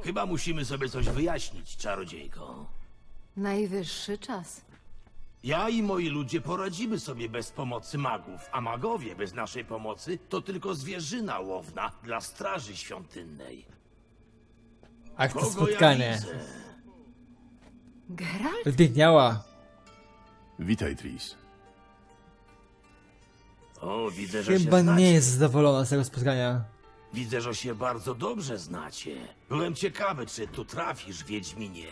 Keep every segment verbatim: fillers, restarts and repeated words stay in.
Chyba musimy sobie coś wyjaśnić, czarodziejko. Najwyższy czas. Ja i moi ludzie poradzimy sobie bez pomocy magów, a magowie bez naszej pomocy to tylko zwierzyna łowna dla straży świątynnej. Akcja Kogo ja spotkanie. widzę? Geralt? Wybiegniała. Witaj, Tris. O, widzę, że Chyba się znacie. nie jest zadowolona z tego spotkania. Widzę, że się bardzo dobrze znacie. Byłem ciekawy, czy tu trafisz, Wiedźminie.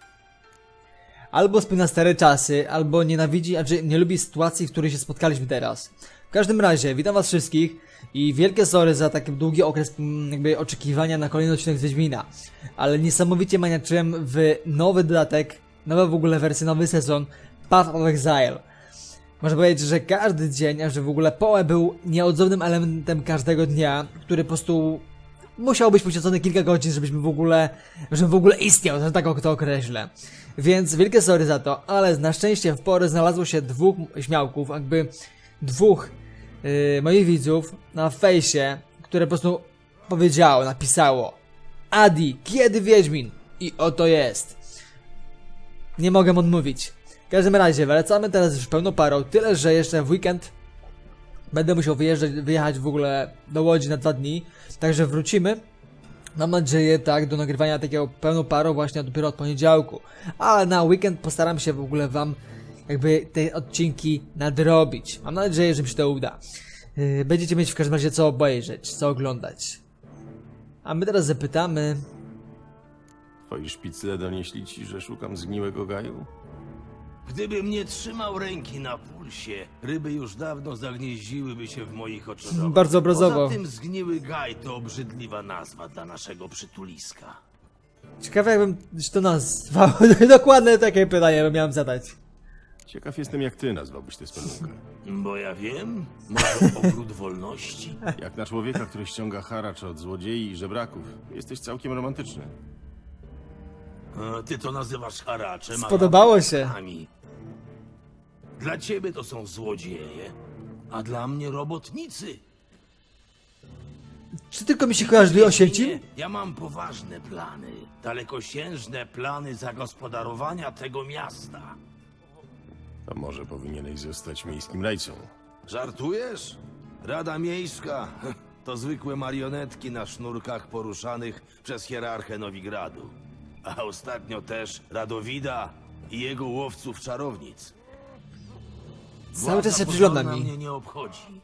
Albo wspomina stare czasy, albo nienawidzi, znaczy nie lubi sytuacji, w której się spotkaliśmy teraz. W każdym razie, witam was wszystkich i wielkie sorry za taki długi okres mm, jakby oczekiwania na kolejny odcinek z Wiedźmina. Ale niesamowicie maniaczyłem w nowy dodatek, nowa w ogóle wersja, nowy sezon Path of Exile. Można powiedzieć, że każdy dzień, a że w ogóle Poe był nieodzownym elementem każdego dnia, który po prostu musiał być poświęcony kilka godzin, żebyśmy w ogóle, żebym w ogóle istniał, że tak to określę. Więc wielkie sorry za to, ale na szczęście w porę znalazło się dwóch śmiałków, jakby dwóch yy, moich widzów na fejsie, które po prostu powiedziało, napisało: Adi, kiedy Wiedźmin? I oto jest. Nie mogę odmówić. W każdym razie, wracamy teraz już pełną parą, tyle że jeszcze w weekend będę musiał wyjeżdżać, wyjechać w ogóle do Łodzi na dwa dni, także wrócimy. Mam nadzieję, tak, do nagrywania takiego pełną parą właśnie dopiero od poniedziałku. Ale na weekend postaram się w ogóle wam jakby te odcinki nadrobić. Mam nadzieję, że mi się to uda. Yy, będziecie mieć w każdym razie co obejrzeć, co oglądać. A my teraz zapytamy... Twoi szpicle donieśli ci, że szukam zgniłego gaju? Gdybym nie trzymał ręki na pulsie, ryby już dawno zagnieździłyby się w moich oczodowach. Bardzo obrazowo. Poza tym zgniły gaj to obrzydliwa nazwa dla naszego przytuliska. Ciekawe jakbym to nazwał. Dokładne takie pytanie miałem zadać. Ciekaw jestem, jak ty nazwałbyś tę spelunkę. Bo ja wiem, może ogród wolności? Jak na człowieka, który ściąga haracz od złodziei i żebraków, jesteś całkiem romantyczny. A ty to nazywasz haraczem, a Spodobało ja się. robotnikami. Dla ciebie to są złodzieje, a dla mnie robotnicy. Czy tylko mi się kojarzy Oświęcim? Nie, ja mam poważne plany, dalekosiężne plany zagospodarowania tego miasta. To może powinieneś zostać miejskim rajcą. Żartujesz? Rada Miejska to zwykłe marionetki na sznurkach poruszanych przez hierarchę Nowigradu. A ostatnio też Radowida i jego łowców czarownic. Cały czas się Władza przygląda pozorna mi. mnie nie obchodzi.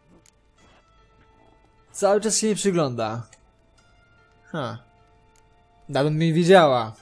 Cały czas się nie przygląda. Ha. Dawno mi widziała.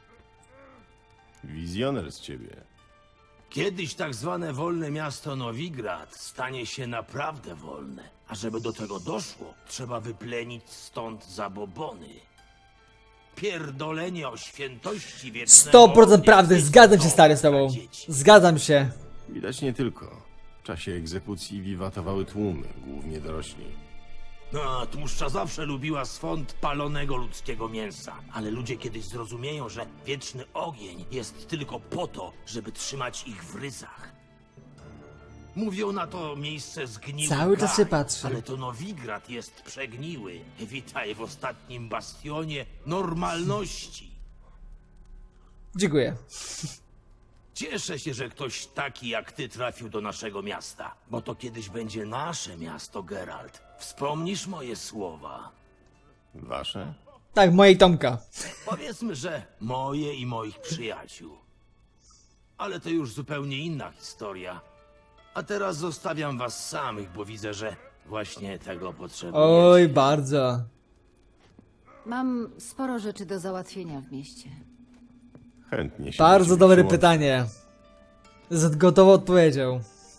Wizjoner z ciebie. Kiedyś tak zwane wolne miasto Nowigrad stanie się naprawdę wolne. A żeby do tego doszło, trzeba wyplenić stąd zabobony. Pierdolenie o świętości wiecznego sto procent ognia prawdy, jest zgadzam się to stary z dla tobą. dzieci. Zgadzam się. Widać nie tylko. W czasie egzekucji wiwatowały tłumy, głównie dorośli. No, tłuszcza zawsze lubiła swąd palonego ludzkiego mięsa. Ale ludzie kiedyś zrozumieją, że wieczny ogień jest tylko po to, żeby trzymać ich w ryzach. Mówią na to miejsce zgniły Cały czas gaj, się patrzy. ale to Nowigrad jest przegniły. Witaj w ostatnim bastionie normalności. Dziękuję. Cieszę się, że ktoś taki jak ty trafił do naszego miasta, bo to kiedyś będzie nasze miasto, Geralt. Wspomnisz moje słowa? Wasze? Tak, mojej Tomka. Powiedzmy, że moje i moich przyjaciół. Ale to już zupełnie inna historia. A teraz zostawiam was samych, bo widzę, że właśnie tego potrzebujecie. Oj, bardzo. Mam sporo rzeczy do załatwienia w mieście. Chętnie się Bardzo do ciebie dobre przyłączę. pytanie. Z gotową odpowiedzią.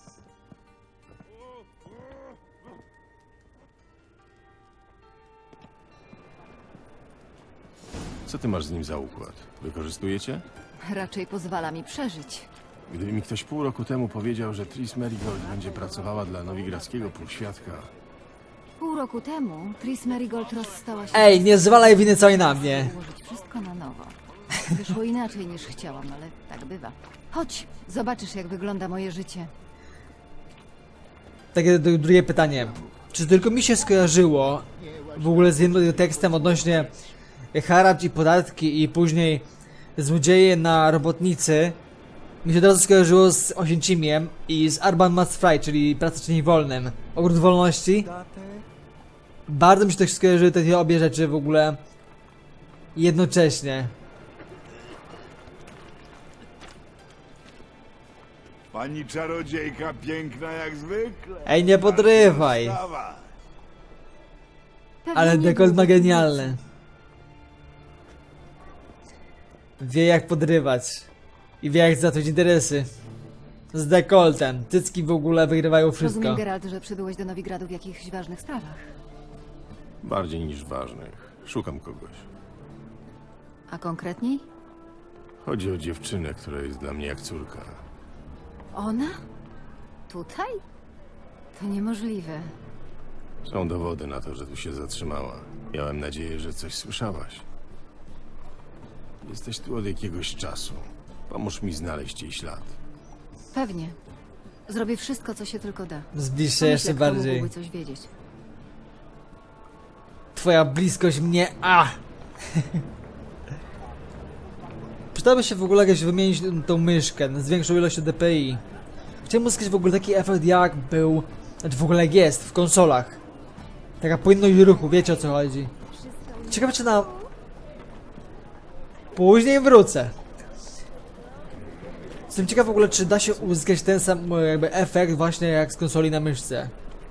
Co ty masz z nim za układ? Wykorzystujecie? Raczej pozwala mi przeżyć. Gdyby mi ktoś pół roku temu powiedział, że Tris Merigold będzie pracowała dla nowigradzkiego półświadka, Pół roku temu Tris Merigold rozstała się... Ej, nie zwalaj winy całej na mnie. Ułożyć wszystko na nowo. Wyszło inaczej niż chciałam, ale tak bywa. Chodź, zobaczysz jak wygląda moje życie. Takie d- drugie pytanie. Czy tylko mi się skojarzyło w ogóle z jednym tekstem odnośnie haracz i podatki i później złodzieje na robotnicy, mi się od razu skojarzyło z Oświęcimiem i z Urban Must Fry, czyli Praca czyni wolnym. Ogród Wolności. Bardzo mi się też skojarzyły te dwie obie rzeczy w ogóle jednocześnie. Pani czarodziejka piękna jak zwykle. Ej, nie podrywaj. Wstawa. Pewnie Ale nie dekolt było ma tak genialny. Wie jak podrywać. I wie jak zacząć interesy. Z dekoltem. Cycki w ogóle wygrywają wszystko. Rozumiem, Geralt, że przybyłeś do Nowigradu w jakichś ważnych sprawach. Bardziej niż ważnych. Szukam kogoś. A konkretniej? Chodzi o dziewczynę, która jest dla mnie jak córka. Ona? Tutaj? To niemożliwe. Są dowody na to, że tu się zatrzymała. Miałem nadzieję, że coś słyszałaś. Jesteś tu od jakiegoś czasu. Pomóż mi znaleźć jej ślad. Pewnie. Zrobię wszystko, co się tylko da. Zbliż się Pomyśl, jeszcze jak kto bardziej. mógłby coś wiedzieć. Twoja bliskość mnie... A! Przydałoby się w ogóle jakoś wymienić tą myszkę z większą ilością D P I. Chciałem uzyskać w ogóle taki efekt jak był... Znaczy w ogóle jak jest w konsolach. Taka płynność ruchu, wiecie o co chodzi. Ciekawe czy na... Później wrócę. Jestem ciekaw w ogóle czy da się uzyskać ten sam jakby efekt właśnie jak z konsoli na myszce.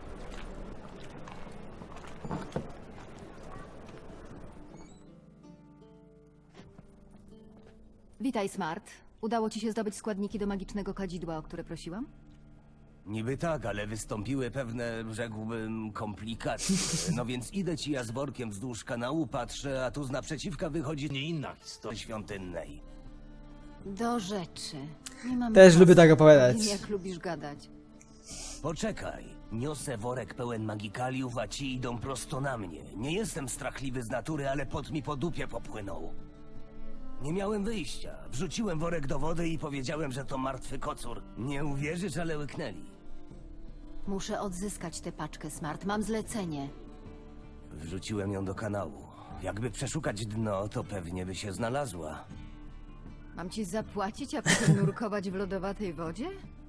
Witaj, Smart. Udało ci się zdobyć składniki do magicznego kadzidła, o które prosiłam? Niby tak, ale wystąpiły pewne, rzekłbym, komplikacje. No więc idę ci ja z workiem wzdłuż kanału, patrzę, a tu z naprzeciwka wychodzi Nie inna historia. świątynnej. Do rzeczy. Nie mam Też czasu. lubię tak opowiadać. Wiem, jak lubisz gadać. Poczekaj, niosę worek pełen magikaliów, a ci idą prosto na mnie. Nie jestem strachliwy z natury, ale pot mi po dupie popłynął. Nie miałem wyjścia. Wrzuciłem worek do wody i powiedziałem, że to martwy kocur. Nie uwierzysz, ale łyknęli. Muszę odzyskać tę paczkę, Smart. Mam zlecenie. Wrzuciłem ją do kanału. Jakby przeszukać dno, to pewnie by się znalazła. Mam ci zapłacić, a potem nurkować w lodowatej wodzie?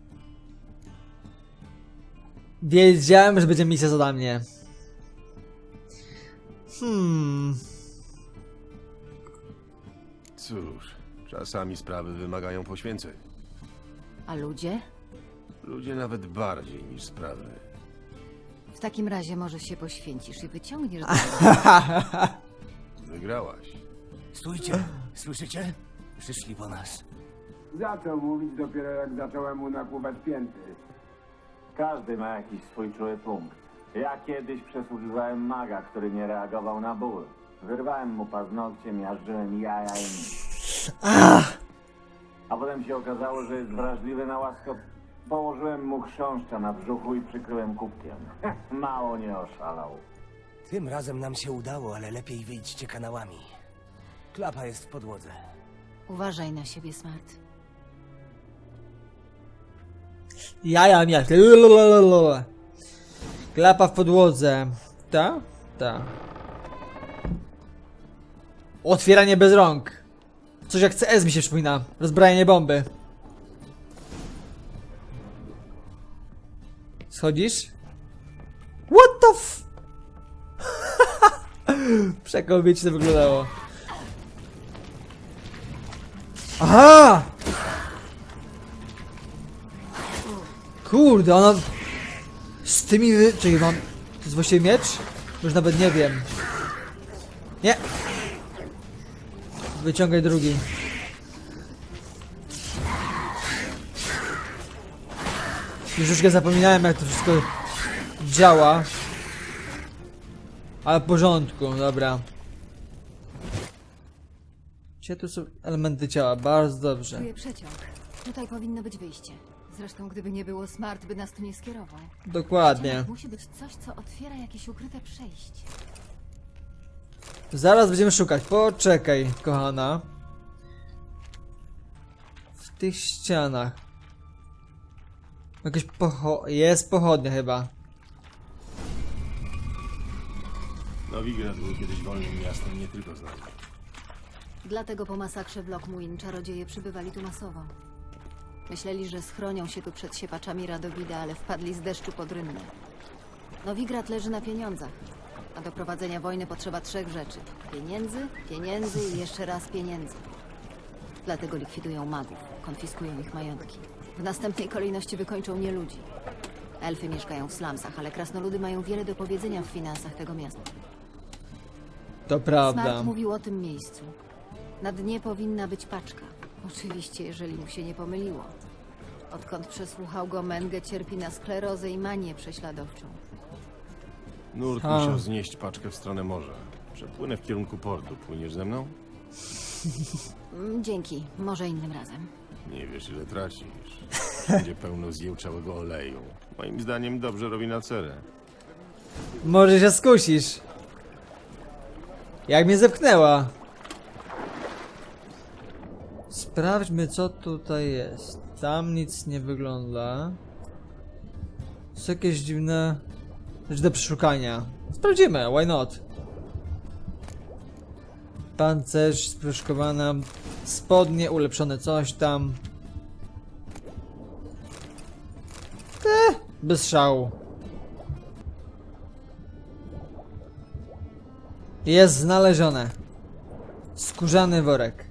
Wiedziałem, że będzie misja za mnie. Hmm. Cóż, czasami sprawy wymagają poświęceń. A ludzie? Ludzie nawet bardziej niż sprawy. W takim razie może się poświęcisz i wyciągniesz do... Wygrałaś. Stójcie, słyszycie? Przyszli po nas. Zaczął mówić dopiero jak zacząłem mu napływać pięty. Każdy ma jakiś swój czuły punkt. Ja kiedyś przesłuchiwałem maga, który nie reagował na ból. Wyrwałem mu paznokcie, miażdżyłem jaja i nic. A potem się okazało, że jest wrażliwy na łaskot. Położyłem mu chrząszcza na brzuchu i przykryłem kubkiem. Mało nie oszalał. Tym razem nam się udało, ale lepiej wyjdźcie kanałami. Klapa jest w podłodze. Uważaj na siebie, Smart. Jaja miasto. Lalalala. Klapa w podłodze. Ta? Ta. Otwieranie bez rąk. Coś jak C S mi się przypomina. Rozbrajanie bomby. Schodzisz? What the f... Przekomicznie to wyglądało. Aha! Kurde, ona... Z tymi wy... Czekaj, mam... To jest właściwie miecz? Już nawet nie wiem. Nie! Wyciągaj drugi. Już już zapominałem jak to wszystko działa. Ale w porządku, dobra. Gdzie tu są elementy ciała? Bardzo dobrze. Czuję przeciąg. Tutaj powinno być wyjście. Zresztą, gdyby nie było Smart, by nas tu nie skierował. Dokładnie. Ścianach musi być coś, co otwiera jakieś ukryte przejście. Zaraz będziemy szukać. Poczekaj, kochana. W tych ścianach. Jakieś pocho... Jest pochodnia chyba. Nowigrad był kiedyś wolnym miastem, nie tylko z nami. Dlatego po masakrze w Lockmuin czarodzieje przybywali tu masowo. Myśleli, że schronią się tu przed siepaczami Radowida, ale wpadli z deszczu pod rynnę. Nowigrad leży na pieniądzach, a do prowadzenia wojny potrzeba trzech rzeczy. Pieniędzy, pieniędzy i jeszcze raz pieniędzy. Dlatego likwidują magów, konfiskują ich majątki. W następnej kolejności wykończą nieludzi. Elfy mieszkają w slumsach, ale krasnoludy mają wiele do powiedzenia w finansach tego miasta. To prawda. Smart mówił o tym miejscu. Na dnie powinna być paczka. Oczywiście, jeżeli mu się nie pomyliło. Odkąd przesłuchał go, Menge cierpi na sklerozę i manię prześladowczą. Nurt A. musiał znieść paczkę w stronę morza. Przepłynę w kierunku portu. Płyniesz ze mną? Mm, Dzięki, może innym razem. Nie wiesz, ile tracisz. Wszędzie pełno zjełczałego oleju. Moim zdaniem dobrze robi na cerę. Może się skusisz. Jak mnie zepchnęła. Sprawdźmy, co tutaj jest. Tam nic nie wygląda. Są jakieś dziwne rzeczy do przeszukania. Sprawdzimy, why not? Pancerz, sproszkowana, spodnie, ulepszone coś tam. Eh, bez szału. Jest znalezione. Skórzany worek.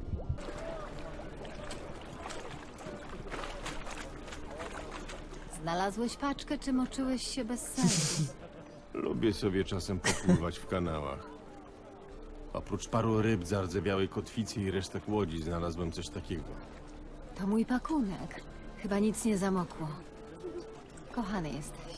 Znalazłeś paczkę, czy moczyłeś się bez sensu? Lubię sobie czasem popływać w kanałach. Oprócz paru ryb, zardzewiałej kotwicy i resztek łodzi znalazłem coś takiego. To mój pakunek. Chyba nic nie zamokło. Kochany jesteś.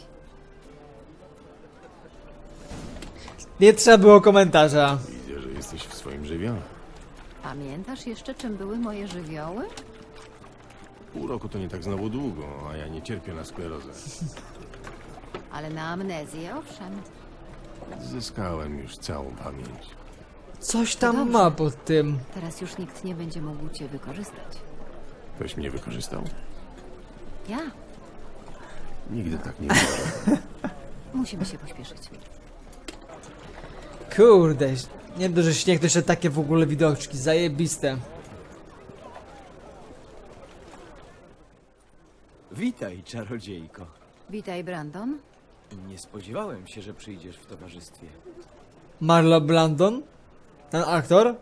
Nie trzeba było komentarza. Widzę, że jesteś w swoim żywiole. Pamiętasz jeszcze, czym były moje żywioły? Pół roku to nie tak znowu długo, a ja nie cierpię na sklerozę. Ale na amnezję, owszem. Zyskałem już całą pamięć. Coś tam dobrze. ma pod tym. Teraz już nikt nie będzie mógł cię wykorzystać. Ktoś mnie wykorzystał? Ja? Nigdy tak nie było. Musimy się pośpieszyć. Kurde, nie dość, że śnieg, to jeszcze takie w ogóle widoczki, zajebiste. Witaj, czarodziejko. Witaj, Brandon. Nie spodziewałem się, że przyjdziesz w towarzystwie. Marlon Brandon? Ten aktor?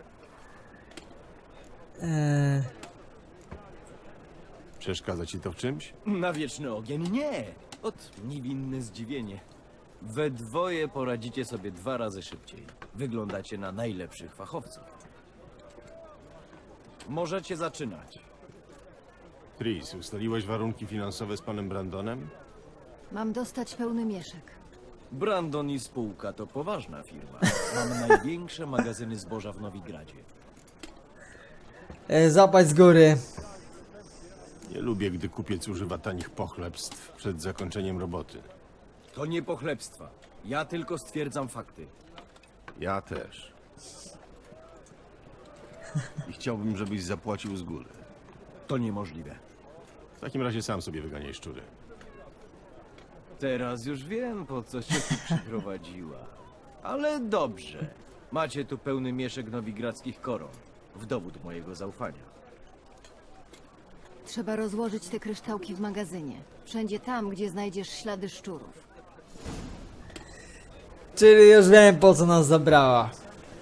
Eee, Przeszkadza ci to w czymś? Na wieczny ogień nie! Ot, niewinne zdziwienie. We dwoje poradzicie sobie dwa razy szybciej. Wyglądacie na najlepszych fachowców. Możecie zaczynać. Tris, ustaliłeś warunki finansowe z panem Brandonem? Mam dostać pełny mieszek. Brandon i spółka to poważna firma. Mamy największe magazyny zboża w Nowigradzie. e, zapać z góry. Nie lubię, gdy kupiec używa tanich pochlebstw przed zakończeniem roboty. To nie pochlebstwa. Ja tylko stwierdzam fakty. Ja też. I chciałbym, żebyś zapłacił z góry. To niemożliwe. W takim razie sam sobie wyganiaj szczury. Teraz już wiem, po co cię tu przyprowadziła. Ale dobrze. Macie tu pełny mieszek nowigradzkich koron. W dowód mojego zaufania. Trzeba rozłożyć te kryształki w magazynie. Wszędzie tam, gdzie znajdziesz ślady szczurów. Czyli już wiem, po co nas zabrała.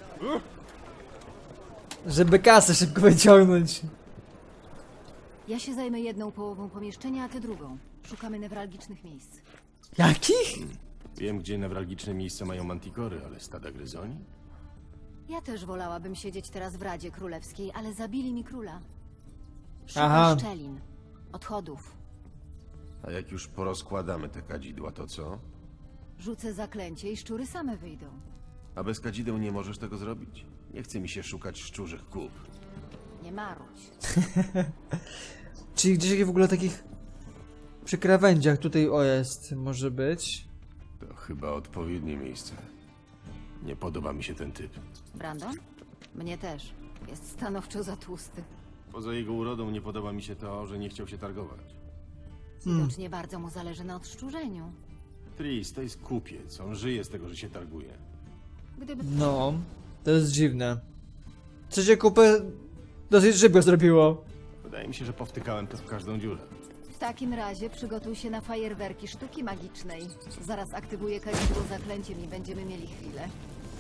Żeby kasę szybko wyciągnąć. Ja się zajmę jedną połową pomieszczenia, a ty drugą. Szukamy newralgicznych miejsc. Jakich? Wiem, gdzie newralgiczne miejsca mają mantikory, ale stada gryzoni? Ja też wolałabym siedzieć teraz w Radzie Królewskiej, ale zabili mi króla. Szukam Aha. szczelin, odchodów. A jak już porozkładamy te kadzidła, to co? Rzucę zaklęcie i szczury same wyjdą. A bez kadzideł nie możesz tego zrobić? Nie chce mi się szukać szczurzych kup. Nie marudź. Czyli gdzieś w ogóle takich przy krawędziach tutaj o jest, może być. To chyba odpowiednie miejsce. Nie podoba mi się ten typ. Brandon? Mnie też. Jest stanowczo za tłusty. Poza jego urodą nie podoba mi się to, że nie chciał się targować. Widocznie bardzo mu zależy na odszczurzeniu. Tris, to jest kupiec. On żyje z tego, że się targuje. Gdyby... No, to jest dziwne. Co się kupę dosyć szybko zrobiło. Wydaje mi się, że powtykałem to w każdą dziurę. W takim razie przygotuj się na fajerwerki sztuki magicznej. Zaraz aktywuję kalidło zaklęciem i będziemy mieli chwilę.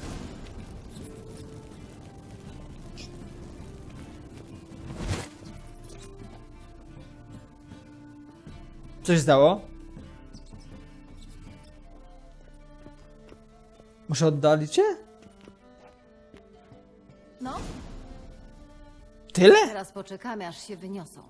Co się stało? Muszę oddalić cię? No, Tyle? teraz poczekamy, aż się wyniosą.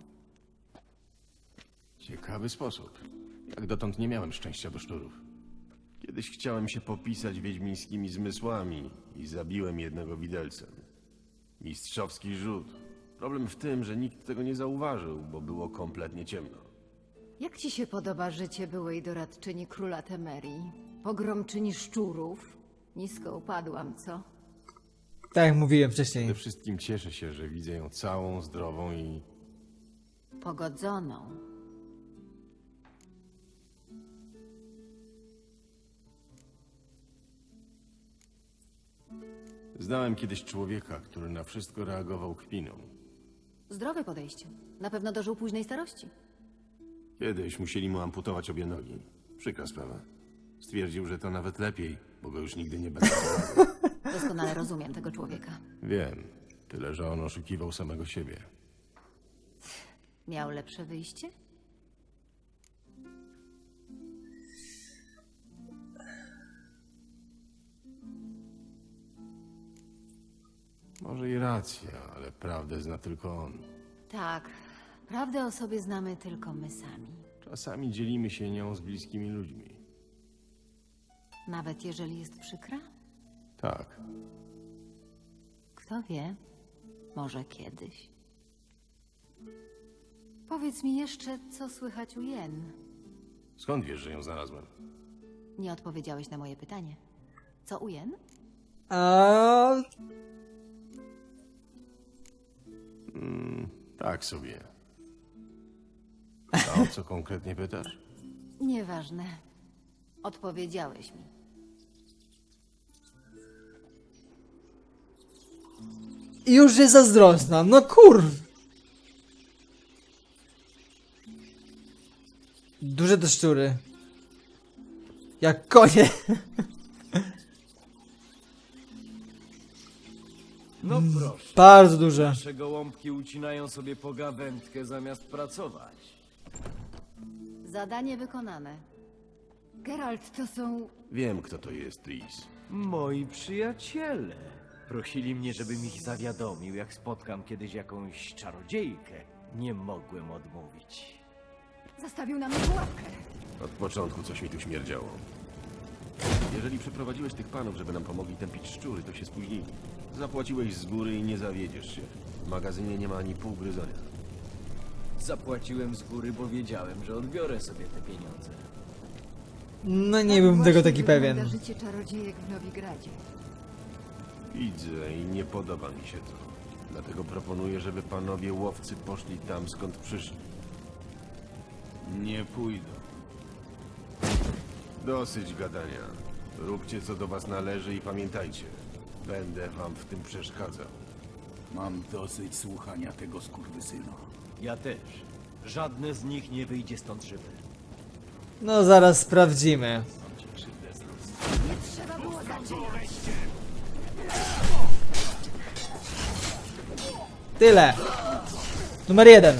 Ciekawy sposób. Jak dotąd nie miałem szczęścia do szczurów. Kiedyś chciałem się popisać wiedźmińskimi zmysłami i zabiłem jednego widelcem. Mistrzowski rzut. Problem w tym, że nikt tego nie zauważył, bo było kompletnie ciemno. Jak ci się podoba życie byłej doradczyni króla Temerii? Pogromczyni szczurów? Nisko upadłam, co? Tak jak mówiłem wcześniej. Przede wszystkim cieszę się, że widzę ją całą, zdrową i... Pogodzoną. Znałem kiedyś człowieka, który na wszystko reagował kpiną. Zdrowe podejście. Na pewno dożył późnej starości. Kiedyś musieli mu amputować obie nogi. Przykra sprawa. Stwierdził, że to nawet lepiej, bo go już nigdy nie będzie. Doskonale rozumiem tego człowieka. Wiem. Tyle, że on oszukiwał samego siebie. Miał lepsze wyjście? Może i racja, ale prawdę zna tylko on. Tak. Prawdę o sobie znamy tylko my sami. Czasami dzielimy się nią z bliskimi ludźmi. Nawet jeżeli jest przykra? Tak. Kto wie? Może kiedyś. Powiedz mi jeszcze, co słychać u Jen. Skąd wiesz, że ją znalazłem? Nie odpowiedziałeś na moje pytanie. Co u Jen? A Mm, tak sobie. A o co konkretnie pytasz? Nieważne. Odpowiedziałeś mi. I już jest zazdrosna. No kur... Duże te szczury. Jak konie. No proszę. Bardzo duże. Nasze gołąbki ucinają sobie pogawędkę zamiast pracować. Zadanie wykonane. Geralt, to są... Wiem, kto to jest, Tris. Moi przyjaciele. Prosili mnie, żebym ich zawiadomił, jak spotkam kiedyś jakąś czarodziejkę. Nie mogłem odmówić. Zastawił na mnie pułapkę. Od początku coś mi tu śmierdziało. Jeżeli przyprowadziłeś tych panów, żeby nam pomogli tępić szczury, to się spóźnili. Zapłaciłeś z góry i nie zawiedziesz się. W magazynie nie ma ani pół gryzonia. Zapłaciłem z góry, bo wiedziałem, że odbiorę sobie te pieniądze. No nie byłem tego taki wygląda pewien. życie czarodziejek w Nowigradzie. Widzę i nie podoba mi się to. Dlatego proponuję, żeby panowie łowcy poszli tam, skąd przyszli. Nie pójdą. Dosyć gadania. Róbcie, co do was należy i pamiętajcie. Będę wam w tym przeszkadzał. Mam dosyć słuchania tego skurwysyna. Ja też. Żadne z nich nie wyjdzie stąd żywe. No zaraz sprawdzimy. Trzeba było zaczynać. Tyle. Numer jeden.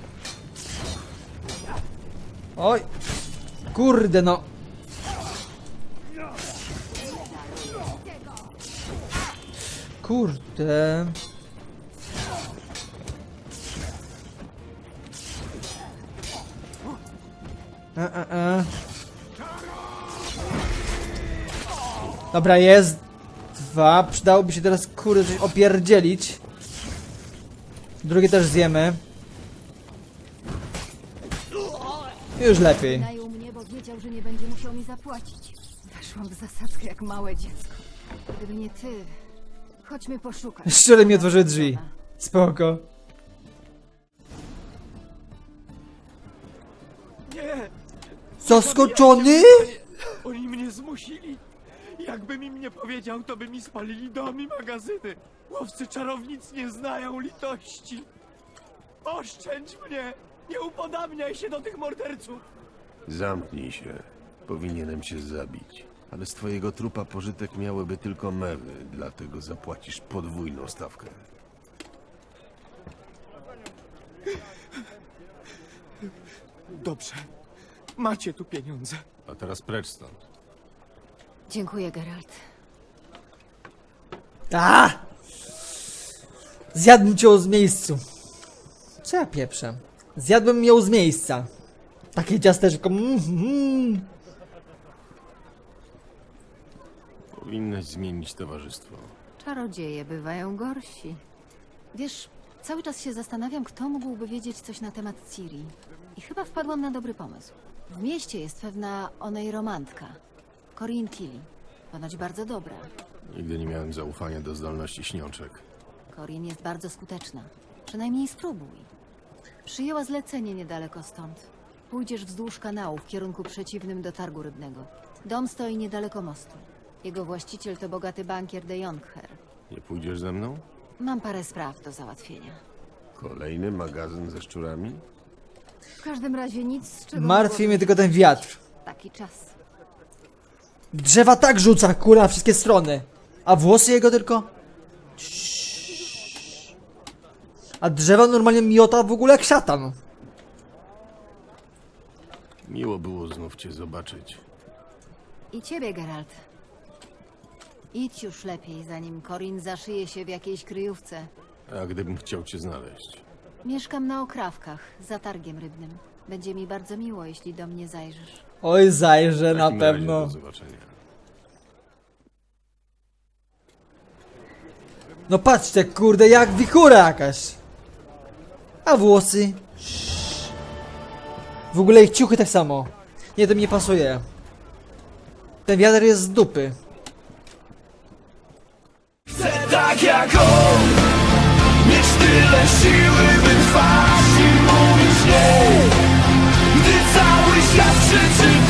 Oj. Kurde no. Kurde. E, e, e. Dobra, jest dwa. Przydałoby się teraz kurde coś opierdzielić. Drugie też zjemy. Już lepiej. Najął mnie, bo wiedział, że nie będzie musiał mi zapłacić. Weszłam w zasadzkę jak małe dziecko. Gdyby nie ty, chodźmy poszukać. Szczerze mi otworzyły drzwi. Spoko. Nie! Zaskoczony? Oni mnie zmusili! Jakbym im nie powiedział, to by mi spalili dom i magazyny. Łowcy czarownic nie znają litości. Oszczędź mnie! Nie upodabniaj się do tych morderców! Zamknij się. Powinienem cię zabić. Ale z twojego trupa pożytek miałyby tylko mewy, dlatego zapłacisz podwójną stawkę. Dobrze. Macie tu pieniądze. A teraz precz stąd. Dziękuję, Geralt. A! Zjadłbym cię z miejscu. Co ja pieprzę? Zjadłbym ją z miejsca. Takie ciasteczko. Mm, mm. Powinnaś zmienić towarzystwo. Czarodzieje bywają gorsi. Wiesz, cały czas się zastanawiam, kto mógłby wiedzieć coś na temat Ciri. I chyba wpadłam na dobry pomysł. W mieście jest pewna onej romantka. Corinne Tilly. Ponoć bardzo dobra. Nigdy nie miałem zaufania do zdolności śniączek. Corinne jest bardzo skuteczna. Przynajmniej spróbuj. Przyjęła zlecenie niedaleko stąd. Pójdziesz wzdłuż kanału w kierunku przeciwnym do targu rybnego. Dom stoi niedaleko mostu. Jego właściciel to bogaty bankier de Jonkher. Nie pójdziesz ze mną? Mam parę spraw do załatwienia. Kolejny magazyn ze szczurami? W każdym razie nic, z czego Martwi mogłoby mnie się tylko ten cieszyć. wiatr. Taki czas. Drzewa tak rzuca, kurwa, na wszystkie strony. A włosy jego tylko? Ciii. A drzewa normalnie miota w ogóle jak szatan. Miło było znów cię zobaczyć. I ciebie, Geralt. Idź już lepiej, zanim Corinne zaszyje się w jakiejś kryjówce. A gdybym chciał cię znaleźć? Mieszkam na Okrawkach, za targiem rybnym. Będzie mi bardzo miło, jeśli do mnie zajrzysz. Oj, zajrzę W na takim razie pewno. Do zobaczenia. No patrzcie, kurde, jak wichura jakaś. A włosy? W ogóle ich ciuchy tak samo. Nie, to mi nie pasuje. Ten wiatr jest z dupy. Tak jak on, mieć tyle siły, by trwać i mówić nie. Gdy cały świat krzyczy